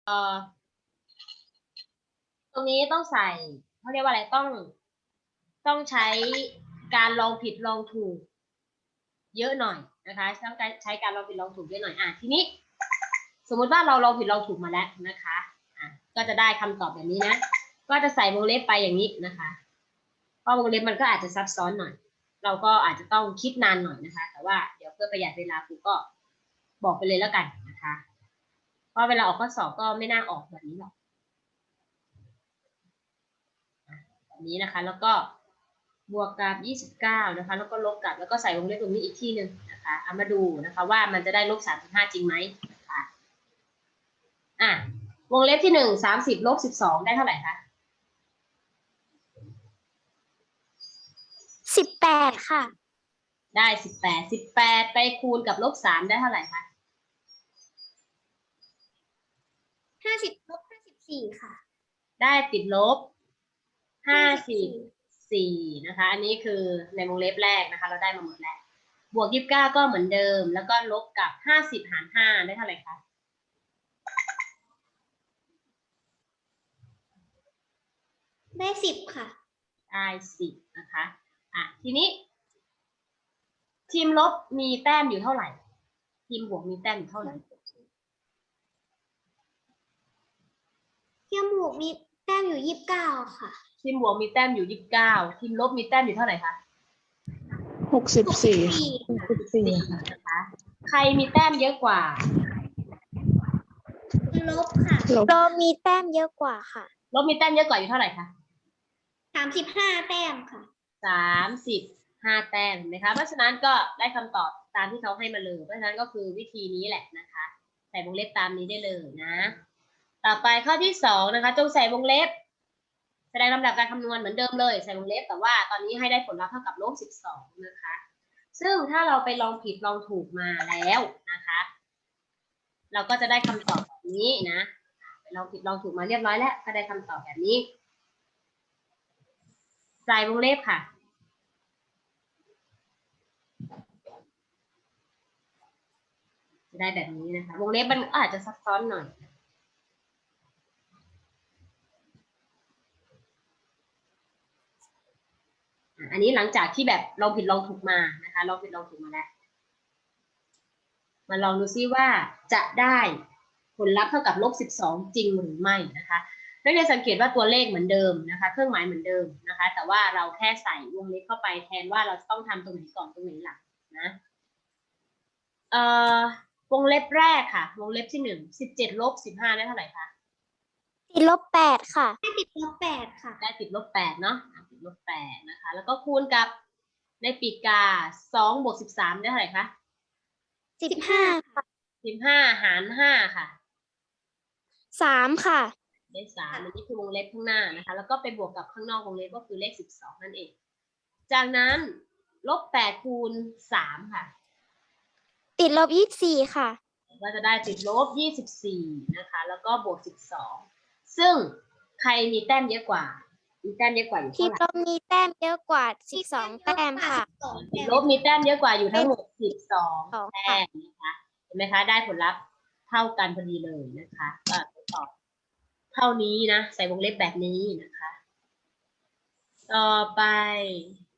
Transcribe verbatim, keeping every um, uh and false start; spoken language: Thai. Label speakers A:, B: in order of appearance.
A: เอ่อตรงนี้ต้องใส่เขาเรียกว่าอะไรต้องต้องใช้การลองผิดลองถูกเยอะหน่อยนะคะต้องใช้การลองผิดลองถูกเยอะหน่อยอ่ะทีนี้สมมุติว่าเราลองผิดลองถูกมาแล้วนะคะอ่ะก็จะได้คำตอบแบบนี้นะก็จะใส่วงเล็บไปอย่างนี้นะคะเพราะวงเล็บมันก็อาจจะซับซ้อนหน่อยเราก็อาจจะต้องคิดนานหน่อยนะคะแต่ว่าเดี๋ยวเพื่อประหยัดเวลาครูก็บอกไปเลยแล้วกันนะคะเพราะเวลาออกข้อสอบก็ไม่น่าออกแบบนี้หรอกแบบนี้นะคะแล้วก็บวกกับยี่สิบเก้านะคะแล้วก็ลบกับแล้วก็ใส่วงเล็บตรงนี้อีกที่หนึ่งนะคะเอามาดูนะคะว่ามันจะได้ลบสามสิบห้าจริงไหมนะคะอ่ะวงเล็บที่หนึ่งสามสิบลบสิบสองได้เท่าไหร่คะ
B: สิบแปดค่ะ
A: ได้สิบแปดสิบแปดไปคูณกับลบสามได้เท่าไหร่คะ
B: ห้าสิบลบห้าสิบสี่ค่ะ
A: ได้ติดลบห้าสิบสี่นะคะอันนี้คือในวงเล็บแรกนะคะเราได้มาหมดแล้วบวกยี่สิบเก้าก็เหมือนเดิมแล้วก็ลบกับห้าสิบหารห้าได้เท่าไหร่คะ
B: ได้สิบค่ะ
A: ได้สิบนะคะอ่ะทีนี้ทีมลบมีแต้มอยู่เท่าไหร่ทีมบวกมีแต้มอยู่เท่าไหร่
B: ทีมบวกมีแต้มอยู่ยี่สิบเก้าค่ะ
A: ทีมบวกมีแต้มอยู่ยี่สิบเก้าทีมลบมีแต้มอยู่เท่าไหร่คะ
C: หกสิบสี่หกสิบสี่ค่ะ
A: นะคะใครมีแต้มเยอะกว่า
B: ลบค่ะลบมีแต้มเยอะกว่าค่ะ
A: ลบมีแต้มเยอะกว่าอยู่เท่าไหร่คะ
B: สามสิบห้าแต้มค่ะ
A: สามสิบห้าแต้มนะคะเพราะฉะนั้นก็ได้คำตอบตามที่เขาให้มาเลยเพราะฉะนั้นก็คือวิธีนี้แหละนะคะใส่วงเล็บตามนี้ได้เลยนะต่อไปข้อที่สองนะคะจงใส่วงเล็บแสดงลำดับการคำนวณเหมือนเดิมเลยใส่วงเล็บแต่ว่าตอนนี้ให้ได้ผลลัพธ์เท่ากับลบสิบสองนะคะซึ่งถ้าเราไปลองผิดลองถูกมาแล้วนะคะเราก็จะได้คำตอบแบบนี้นะไปลองผิดลองถูกมาเรียบร้อยแล้วก็ได้คำตอบแบบนี้ใส่วงเล็บค่ะจะได้แบบนี้นะคะวงเล็บมันอาจจะซับซ้อนหน่อยอันนี้หลังจากที่แบบลองผิดลองถูกมานะคะลองผิดลองถูกมาแล้วมาลองดูซิว่าจะได้ผลลัพธ์เท่ากับลบสิบสองจริงหรือไม่นะคะนักเรียนสังเกตว่าตัวเลขเหมือนเดิมนะคะเครื่องหมายเหมือนเดิมนะคะแต่ว่าเราแค่ใส่วงเล็บเข้าไปแทนว่าเราต้องทำตรงไหนก่อนตรงไหนหลังนะเอ่อวงเล็บแรกค่ะวงเล็บที่หนึ่งสิบเจ็ดลบสิบห้าได้เท่าไหร่คะ
B: ติดลบแปดค่ะได้ติดลบแปดค่ะ
A: ได้ติดลบแปดเนาะติดลบแปดนะคะแล้วก็คูณกับในปีกกาสองบวกสิบสามได้เท่าไหร่คะ
B: สิบห้าค่ะ
A: สิบห้าหารห้าค่ะ
B: สามค่ะ
A: ได้สามอันนี้คือวงเล็บข้างหน้านะคะแล้วก็ไปบวกกับข้างนอกวงเล็บก็คือเลขสิบสองนั่นเองจากนั้นลบแปดคูณสามค่ะ
B: ติดลบยี่สิบสี่ค่ะ
A: ก็จะได้ติดลบยี่สิบสี่นะคะแล้วก็บวกสิบสองซึ่งใครมีแต้มเยอะกว่ามีแต้มเยอะกว่าอยู่
B: ทีม
A: เท่าไหร่
B: ลบมีแต้มเยอะกว่าสิบสองแต้มค่ะ
A: ลบมีแต้มเยอะกว่าอยู่ทั้งหมดสิบสองแต้มนะคะเห็นไหมคะได้ผลลัพธ์เท่ากันพอดีเลยนะคะก็ตอบเท่านี้นะใส่วงเล็บแบบนี้นะคะต่อไป